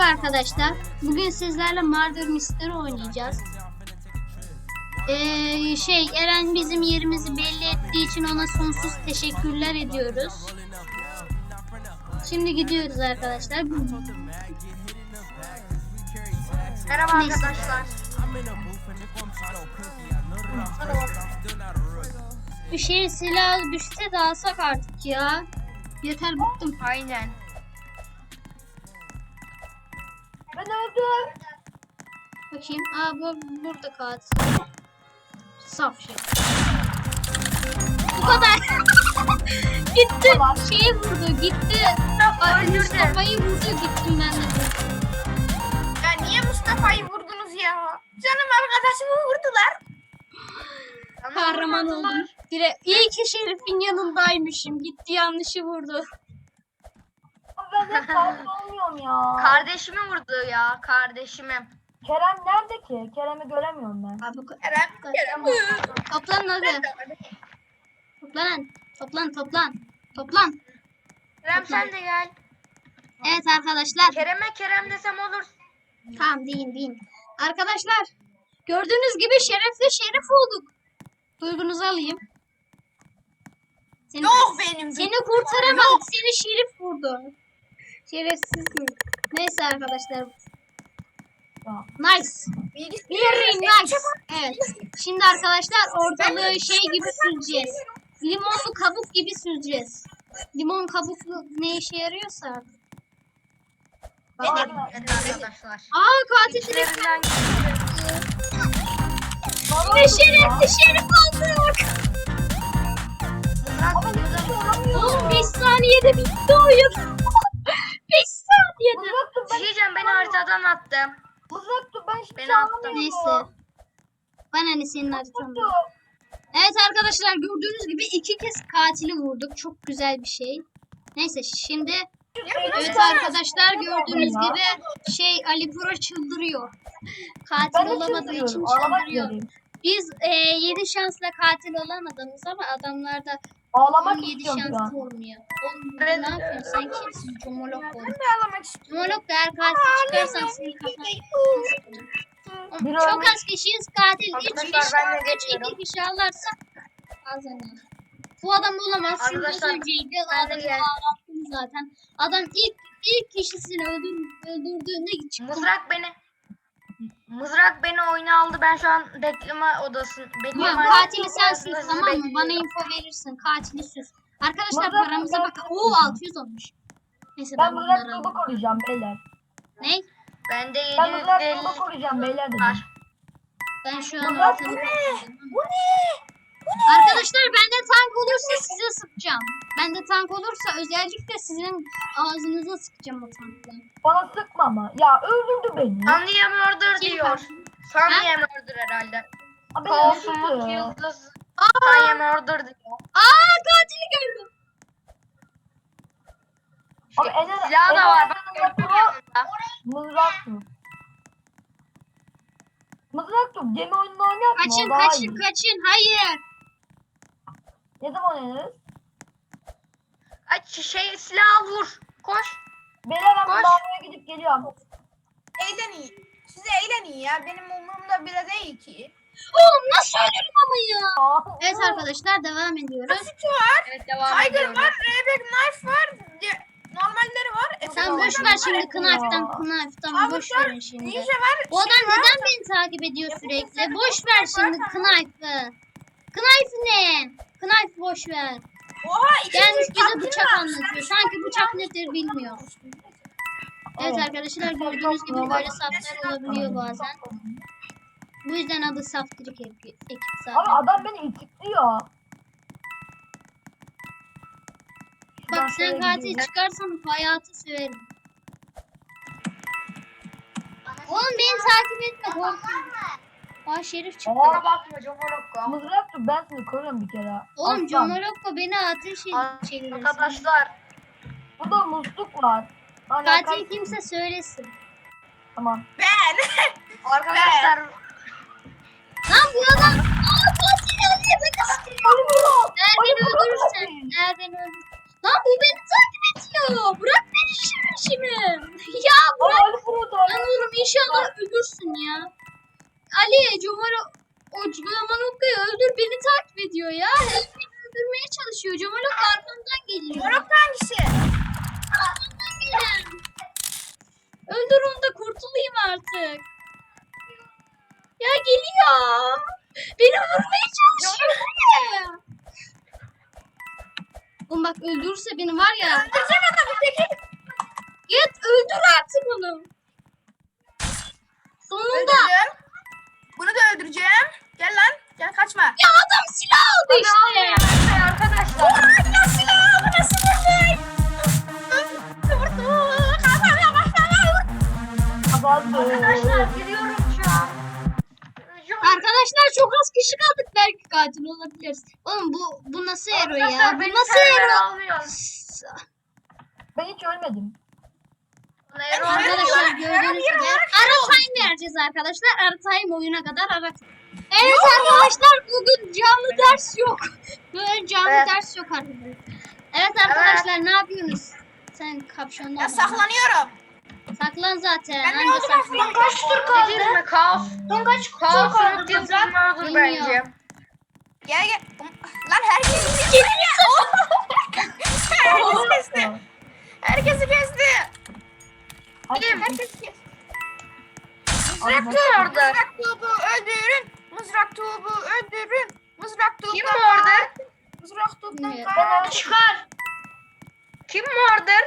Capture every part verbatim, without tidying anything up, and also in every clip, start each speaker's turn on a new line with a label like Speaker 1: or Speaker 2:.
Speaker 1: arkadaşlar. Bugün sizlerle Murder Mystery oynayacağız. Ee, şey Eren bizim yerimizi belli ettiği için ona sonsuz teşekkürler ediyoruz. Şimdi gidiyoruz arkadaşlar.
Speaker 2: Merhaba
Speaker 1: Neyse.
Speaker 2: arkadaşlar.
Speaker 1: Bir şey silah düşse de alsak artık ya. Yeter bıktım.
Speaker 2: Aynen.
Speaker 3: Ben öldüm.
Speaker 1: Bakayım. Aa bu burada katil. Saf şey. Bu kadar. Gitti. Şeyi vurdu. Gitti. Ay,
Speaker 2: öldürdü.
Speaker 1: Mustafa'yı vurdu. Gittim ben de.
Speaker 2: Ya niye Mustafa'yı vurdunuz ya? Canım arkadaşımı vurdular.
Speaker 1: Kahraman oldum. Dire iyi ki Şerif'in yanındaymışım. Gitti yanlışı vurdu.
Speaker 3: Ben de katil olmuyorum ya.
Speaker 2: Kardeşimi vurdu ya, kardeşimi.
Speaker 3: Kerem nerede ki? Kerem'i göremiyorum ben.
Speaker 1: Abi,
Speaker 2: Kerem, Kerem.
Speaker 1: toplan hadi. Toplan. Toplan toplan. Toplan.
Speaker 2: Kerem sen de gel.
Speaker 1: Evet arkadaşlar.
Speaker 2: Kerem'e Kerem desem olur.
Speaker 1: Tamam deyin deyin. Arkadaşlar gördüğünüz gibi Şeref'le Şerif olduk. Duygunuzu alayım. Seni,
Speaker 2: Yok benim.
Speaker 1: seni kurtaramadık. Seni Şerif vurdu. Şerefsizsin. Neyse arkadaşlar.
Speaker 3: Ya.
Speaker 1: Nice. Very nice. Evet. Şimdi arkadaşlar ortalığı şey gibi süreceğiz. Limonlu kabuk gibi süreceğiz. Limon kabuklu ne işe yarıyorsa artık.
Speaker 2: Benim. Evet arkadaşlar.
Speaker 1: Aa katil direkt
Speaker 2: İçlerinden
Speaker 3: Baba
Speaker 1: ve Şeref'li Şerif olduk. Oğlum beş saniyede bitti oyun. beş saniyede.
Speaker 3: Mızraktım ben.
Speaker 2: Diyeceğim beni haritadan attım.
Speaker 3: Mızraktım ben hiçbir
Speaker 2: Beni
Speaker 3: şey
Speaker 2: attı.
Speaker 3: anlamıyorum.
Speaker 1: Neyse. Bana ne senin haritanın. Evet arkadaşlar gördüğünüz gibi iki kez katili vurduk. Çok güzel bir şey. Neyse şimdi evet arkadaşlar gördüğünüz gibi şey Ali Pro çıldırıyor. Katil
Speaker 3: Ben de
Speaker 1: olamadığı için
Speaker 3: çıldırıyorum. Ağlamak
Speaker 1: çıldırıyor.
Speaker 3: üzereyim.
Speaker 1: Biz e, yedi şansla katil olan adamız ama adamlarda
Speaker 3: Ağlamak
Speaker 1: on yedi
Speaker 3: istiyorum şu
Speaker 1: şanslı
Speaker 3: an.
Speaker 1: olmuyor. Oğlum
Speaker 2: Ben-
Speaker 1: ne yapıyorsun sen kimsin? Comolok ol.
Speaker 2: Ağlamak istiyorum.
Speaker 1: Comolok da eğer katil çıkarsan seni kapat.
Speaker 3: Bir
Speaker 1: Çok
Speaker 3: örnek-
Speaker 1: az kişiyiz katil. Üç
Speaker 2: Arkadaşlar,
Speaker 1: kişi,
Speaker 2: ben de
Speaker 1: üç
Speaker 2: geçiyorum.
Speaker 1: iki kişi alırsa kazanır. Bu adam olamaz. Çünkü az
Speaker 2: Arkadaşlar,
Speaker 1: önceydi.
Speaker 2: ben de
Speaker 1: Adamı
Speaker 2: gel-
Speaker 1: ağlattım zaten. Adam ilk ilk kişisini öldür, öldürdüğünde çıktı.
Speaker 2: Mızrak beni Mızrak beni oyuna aldı. Ben şu an bekleme odası bekleme
Speaker 1: Tamam katili sensin
Speaker 2: odasında
Speaker 1: tamam mı?
Speaker 2: bekliyorum.
Speaker 1: Bana info verirsin. Katili süs. Arkadaşlar
Speaker 3: Mızrak-
Speaker 1: paramıza
Speaker 3: ben-
Speaker 1: bakın. Oo altı yüz olmuş. Neyse ben,
Speaker 3: Ben
Speaker 1: bunları
Speaker 3: mızrak
Speaker 1: alayım.
Speaker 3: grubu koruyacağım beyler.
Speaker 1: Ne?
Speaker 2: Bende
Speaker 3: Ben mızrak
Speaker 2: yedi yüz
Speaker 3: grubu
Speaker 2: elli
Speaker 3: koruyacağım beyler dedim.
Speaker 2: var.
Speaker 1: Ben şu an
Speaker 3: Mızrak
Speaker 1: ortalık
Speaker 3: bu ne?
Speaker 1: bakıyorum.
Speaker 3: Bu ne?
Speaker 1: Arkadaşlar bende tank olursa size sıkacağım. Bende tank olursa özellikle sizin ağzınıza sıkacağım o tankla.
Speaker 3: Bana sıkma ama. Ya öldürdü beni.
Speaker 2: Sandiye murder
Speaker 1: Kim
Speaker 2: diyor.
Speaker 1: var?
Speaker 2: Sandiye murder herhalde.
Speaker 3: Abi
Speaker 2: Kolsuzluk
Speaker 3: öldürdü.
Speaker 2: yıldız.
Speaker 1: Aa,
Speaker 2: Sandiye murder diyor.
Speaker 1: aa katili gördüm.
Speaker 3: Abi Ener,
Speaker 2: Silahı da var. Bak
Speaker 3: Ener
Speaker 2: gördüm
Speaker 3: Pro
Speaker 2: yanında.
Speaker 3: mızrak tut. Mızrak tut. Gemi oyununu oynayalım mı?
Speaker 1: Kaçın
Speaker 3: O daha
Speaker 1: kaçın
Speaker 3: iyi.
Speaker 1: kaçın. Hayır.
Speaker 3: Ne zaman oynarız?
Speaker 2: Aç şey silahı vur. Koş.
Speaker 3: Beyler ben
Speaker 2: Koş.
Speaker 3: lavaboya gidip geliyorum.
Speaker 4: Eğlenin. Size eğlenin ya. Benim umurumda bile değil ki.
Speaker 1: Oğlum nasıl ölürüm ama ya.
Speaker 3: Aa,
Speaker 1: Evet arkadaşlar devam ediyoruz.
Speaker 4: Basit var.
Speaker 2: Evet devam
Speaker 4: Tiger
Speaker 2: ediyorum.
Speaker 4: var. Rebek Knife var. de- Normalleri var.
Speaker 1: Sen
Speaker 3: Tamam,
Speaker 1: boş
Speaker 3: tamam.
Speaker 1: ver şimdi Knife'dan Knife'dan boş
Speaker 4: Avuklar,
Speaker 1: verin şimdi.
Speaker 4: Ninja var.
Speaker 1: Bu adam
Speaker 4: şey var.
Speaker 1: neden beni takip ediyor
Speaker 4: Ya bu
Speaker 1: sürekli?
Speaker 4: sefer
Speaker 1: Boş
Speaker 4: çok
Speaker 1: ver
Speaker 4: var,
Speaker 1: şimdi
Speaker 4: tamam.
Speaker 1: Knife'ı. Knife ne? Knife boş ver.
Speaker 4: Oha. iki
Speaker 1: Gelmiş
Speaker 4: yüz
Speaker 1: bize
Speaker 4: takdim
Speaker 1: bıçak
Speaker 4: var.
Speaker 1: anlatıyor. Sanki bıçak nedir bilmiyor. Evet
Speaker 3: Evet.
Speaker 1: arkadaşlar gördüğünüz gibi böyle saflar olabiliyor bazen. Bu yüzden adı Saftirik ekip ekip
Speaker 3: Abi
Speaker 1: zaten.
Speaker 3: adam beni itikliyor.
Speaker 1: Bak sen katil çıkarsan hayatı söverim. Oğlum beni takip etme korkuyorum. Aa Şerif çıktı.
Speaker 2: Bana bakma Comolokko.
Speaker 3: Mızrak tut, ben seni koruyorum bir kere.
Speaker 1: Oğlum
Speaker 3: Aslan.
Speaker 1: Comolokko beni ateş çeviriyor.
Speaker 2: Arkadaşlar.
Speaker 3: Burada musluk var. Hani
Speaker 1: Katil
Speaker 3: katil-
Speaker 1: kimse söylesin.
Speaker 3: Tamam.
Speaker 4: Ben.
Speaker 2: Arkadaşlar.
Speaker 1: Lan bu adam. Aa katil nerede? Beni sıkıyor. Eğer
Speaker 3: Ali
Speaker 1: beni
Speaker 3: Pro
Speaker 1: öldürürsen.
Speaker 3: katil.
Speaker 1: Eğer beni öldürürsen. Lan bu beni takip ediyor. Bırak beni işimi işimi. Ya
Speaker 3: Aa,
Speaker 1: bırak.
Speaker 3: Ali Pro
Speaker 1: Lan oğlum inşallah ölürsün ya. Ali Comalo o Comalo'yu öldür, beni takip ediyor ya. Hep beni öldürmeye çalışıyor. Comalo arkamdan geliyor.
Speaker 2: Moruk hangisi?
Speaker 1: Arkamdan gelen. Öldür onu da kurtulayım artık. Ya geliyor. Beni vurmaya çalışıyor. Bu ne? Oğlum bak öldürürse beni var ya.
Speaker 2: Öldüreceğim adamı peki.
Speaker 1: Git öldür artık onu. Sonunda.
Speaker 2: Öldürdüm. Bunu da öldüreceğim. Gel lan. Gel kaçma.
Speaker 1: Ya adam silah aldı işte.
Speaker 3: Arkadaşlar.
Speaker 2: Nasıl silah aldı? Nasıl vurdu? Vurdu. Kafana kafana vurdu.
Speaker 3: Arkadaşlar gidiyorum şu an.
Speaker 1: Arkadaşlar çok az kişi kaldık, belki katil olabiliriz. Oğlum bu bu nasıl hero ya?
Speaker 3: Arkadaşlar
Speaker 1: Bu
Speaker 3: beni
Speaker 1: nasıl
Speaker 3: server
Speaker 1: hero?
Speaker 3: almıyor. Ben hiç ölmedim.
Speaker 1: Arkadaşlar gördüğünüz gibi ara time vereceğiz arkadaşlar. Ara time oyuna kadar ara. Evet arkadaşlar bugün canlı ders yok. Bugün canlı
Speaker 3: Evet.
Speaker 1: ders yok arkadaşlar. Evet arkadaşlar ne yapıyorsunuz? Sen kapşonlu
Speaker 2: Ya
Speaker 1: ol.
Speaker 2: saklanıyorum.
Speaker 1: Saklan zaten.
Speaker 2: Ben ne
Speaker 1: Anca
Speaker 2: oldu
Speaker 1: saklan.
Speaker 2: ben kaç tur kaldı?
Speaker 3: mi? Kaos.
Speaker 2: Son kaç tur
Speaker 3: Kaos
Speaker 2: kaldı
Speaker 3: unuttum
Speaker 2: Mızrak?
Speaker 3: vardır
Speaker 1: Bilmiyorum.
Speaker 3: bence.
Speaker 2: Gel gel. Lan herkes kesti. Herkes kesti. Herkesi kesti.
Speaker 3: Kim?
Speaker 2: Herkes kesti.
Speaker 3: Mızrak
Speaker 2: Mızrak
Speaker 3: kim orada?
Speaker 2: Mızrak tuğbu öldürün. Mızrak tuğbu öldürün. Mızrak tuğbu.
Speaker 3: Kim orada?
Speaker 2: Mızrak tuğbudan
Speaker 1: Bilmiyorum.
Speaker 2: kaç.
Speaker 3: Çıkar. Kim vardır?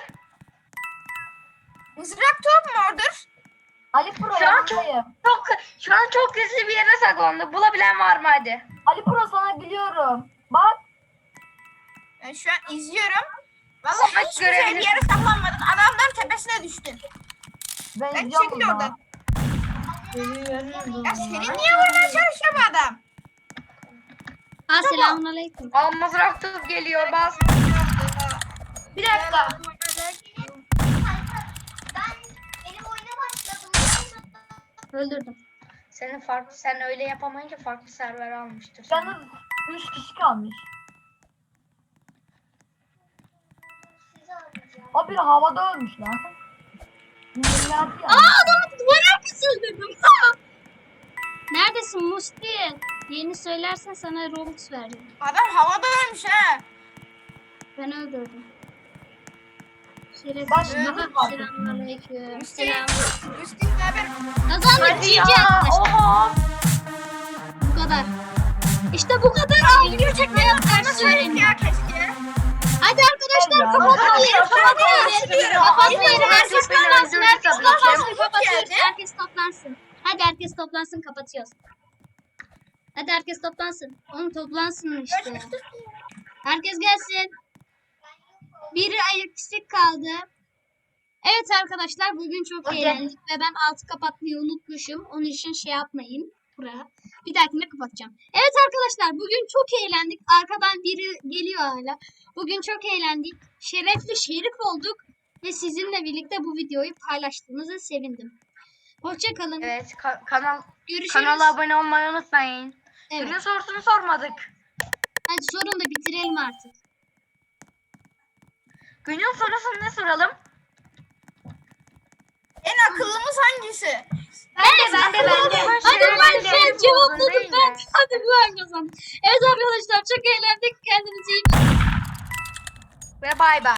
Speaker 2: Mızrak tuğbu mu ordur?
Speaker 3: Ali Pro şu an çok, çok şu an çok gizli bir yere saklandı. Bulabilen var mı hadi? Ali Pro sana biliyorum. Bak.
Speaker 2: Ben şu an izliyorum. Vallahi
Speaker 3: Bak,
Speaker 2: hiç güzel bir
Speaker 3: görebilirsin.
Speaker 2: yere saklanmadın. Adamların tepesine düştün.
Speaker 3: Ben,
Speaker 2: Ben
Speaker 3: izliyorum
Speaker 2: çekil
Speaker 3: bunu.
Speaker 2: oradan. Ya seni niye vurmaya çalışıyor bu adam?
Speaker 1: Ha selamünaleyküm.
Speaker 3: Al mızrak tutup geliyor bas.
Speaker 2: Bir dakika.
Speaker 1: Öldürdüm.
Speaker 3: Senin farklı sen öyle yapamayınca farklı server almıştır. Yalnız üç kişi kalmış. O bir havada ölmüş lan.
Speaker 1: Aa adamı duvar arkası öldürdüm. Ha! Neredesin Musti? Yeni söylersen sana Robux vereceğim.
Speaker 2: Adam havada ölmüş ha.
Speaker 1: Ben öldürdüm. Şerefsiz.
Speaker 2: Ben
Speaker 1: Baba,
Speaker 2: öldüm.
Speaker 1: selamünaleyküm.
Speaker 2: Üstü.
Speaker 1: Selam.
Speaker 2: Üstü haber.
Speaker 1: Kazandık Cici arkadaşlar.
Speaker 3: Oha.
Speaker 1: Bu kadar. İşte bu kadar. Video çekmeye ders öğrendim.
Speaker 2: Ya keşke.
Speaker 1: Hadi arkadaşlar kapatmayın. Kapatmayın. Kapatmayın. Herkes toplansın. Herkes toplansın. Kapatıyoruz. Herkes toplansın. Hadi herkes toplansın. Kapatıyoruz. Hadi herkes toplansın. Oğlum toplansın işte. Herkes gelsin. Biri eksik kaldı. Evet arkadaşlar bugün çok
Speaker 3: Okey.
Speaker 1: eğlendik ve ben altı kapatmayı unutmuşum. Onun için şey yapmayın buraya. Bir dahakine kapatacağım. Evet arkadaşlar bugün çok eğlendik. Arkadan biri geliyor hala. Bugün çok eğlendik. Şerefli şerif olduk. Ve sizinle birlikte bu videoyu paylaştığınızı sevindim. Hoşça kalın.
Speaker 3: Evet ka- kanal
Speaker 1: Görüşürüz.
Speaker 3: kanala abone olmayı unutmayın.
Speaker 1: Evet.
Speaker 3: Günün sorusunu sormadık.
Speaker 1: Hadi sorun da bitirelim artık.
Speaker 3: Günün sorusunu ne soralım?
Speaker 2: En akıllımız hangisi?
Speaker 1: Ben de ben de ben de. Hadi ben
Speaker 3: de.
Speaker 1: şey cevapladım
Speaker 3: Değil
Speaker 1: ben.
Speaker 3: mi?
Speaker 1: Hadi ben kazandım. Evet arkadaşlar çok eğlendik. Kendinize iyi bakın.
Speaker 3: Ve bay bay.